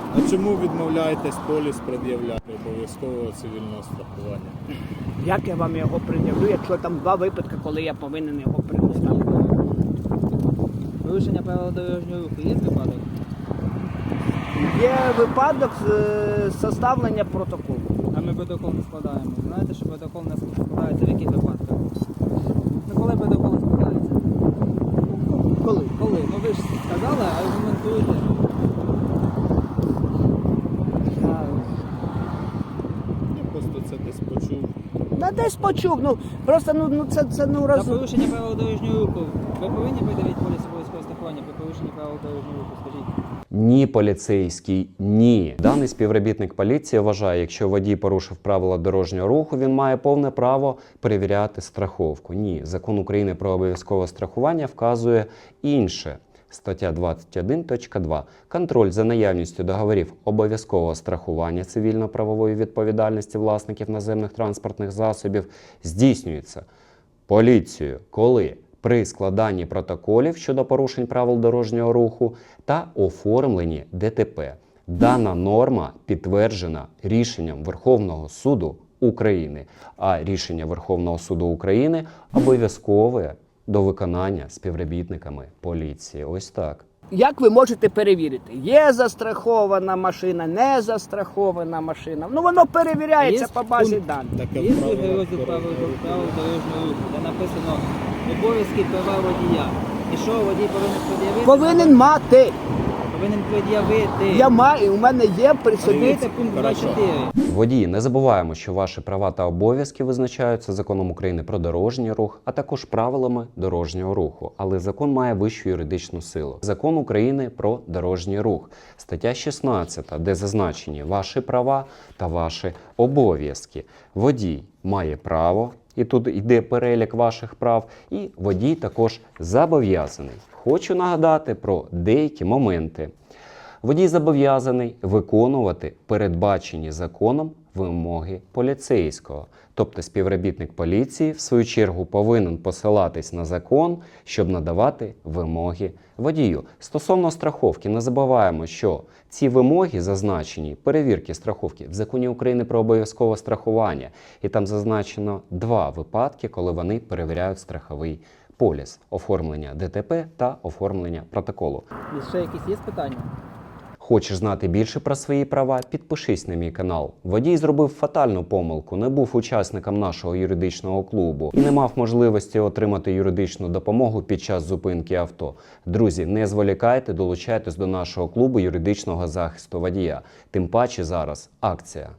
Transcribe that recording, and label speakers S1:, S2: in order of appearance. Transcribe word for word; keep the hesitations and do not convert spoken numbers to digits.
S1: А чому відмовляєтесь поліс пред'являти обов'язкового цивільного страхування?
S2: Як я вам його пред'явлю, якщо там два випадки, коли я повинен його пред'явити?
S3: Порушення правил дорожнього руху є випадок?
S2: Є випадок е, составлення протоколу.
S3: А ми протокол не складаємо. Знаєте, що протокол не складається в яких випадках? Ну коли протокол складається?
S2: Коли?
S3: Коли? Ну ви ж сказали, аргументуйте.
S1: Я просто це десь почув.
S2: На десь почув, ну просто ну, ну це, це ну
S3: За
S2: раз.
S3: порушення правил дорожнього руху ви повинні придавити поліс обов'язкового страхування при порушенні правил дорожнього руху, скажіть?
S4: Ні, поліцейський, ні. Даний співробітник поліції вважає, якщо водій порушив правила дорожнього руху, він має повне право перевіряти страховку. Ні, Закон України про обов'язкове страхування вказує інше. Стаття двадцять один точка два. Контроль за наявністю договорів обов'язкового страхування цивільно-правової відповідальності власників наземних транспортних засобів здійснюється поліцією, коли при складанні протоколів щодо порушень правил дорожнього руху та оформленні ДТП. Дана норма підтверджена рішенням Верховного суду України, а рішення Верховного суду України обов'язкове до виконання співробітниками поліції. Ось так.
S2: Як ви можете перевірити? Є застрахована машина, не застрахована машина. Ну воно перевіряється
S3: Є
S2: по базі
S3: пункт.
S2: даних.
S1: Таке
S3: Є
S1: правило
S3: другий розділ правил
S1: дорожнього руху.
S3: правил дорожнього руху, де написано обов'язки права водія. І що водій повинен пред'явити?
S2: Повинен мати.
S3: Повинен пред'явити.
S2: Я маю, у мене є при собі.
S3: Подивіться пункт
S1: Хорошо.
S3: двадцять чотири.
S4: Водії, не забуваємо, що ваші права та обов'язки визначаються Законом України про дорожній рух, а також правилами дорожнього руху. Але закон має вищу юридичну силу. Закон України про дорожній рух. Стаття шістнадцята, де зазначені ваші права та ваші обов'язки. Водій має право, і тут йде перелік ваших прав, і водій також зобов'язаний. Хочу нагадати про деякі моменти. Водій зобов'язаний виконувати передбачені законом вимоги поліцейського. Тобто співробітник поліції, в свою чергу, повинен посилатись на закон, щоб надавати вимоги водію. Стосовно страховки, не забуваємо, що ці вимоги зазначені, перевірки страховки, в Законі України про обов'язкове страхування. І там зазначено два випадки, коли вони перевіряють страховий поліс. Оформлення ДТП та оформлення протоколу.
S3: І ще якісь є питання?
S4: Хочеш знати більше про свої права? Підпишись на мій канал. Водій зробив фатальну помилку, не був учасником нашого юридичного клубу і не мав можливості отримати юридичну допомогу під час зупинки авто. Друзі, не зволікайте, долучайтесь до нашого клубу юридичного захисту водія. Тим паче зараз акція.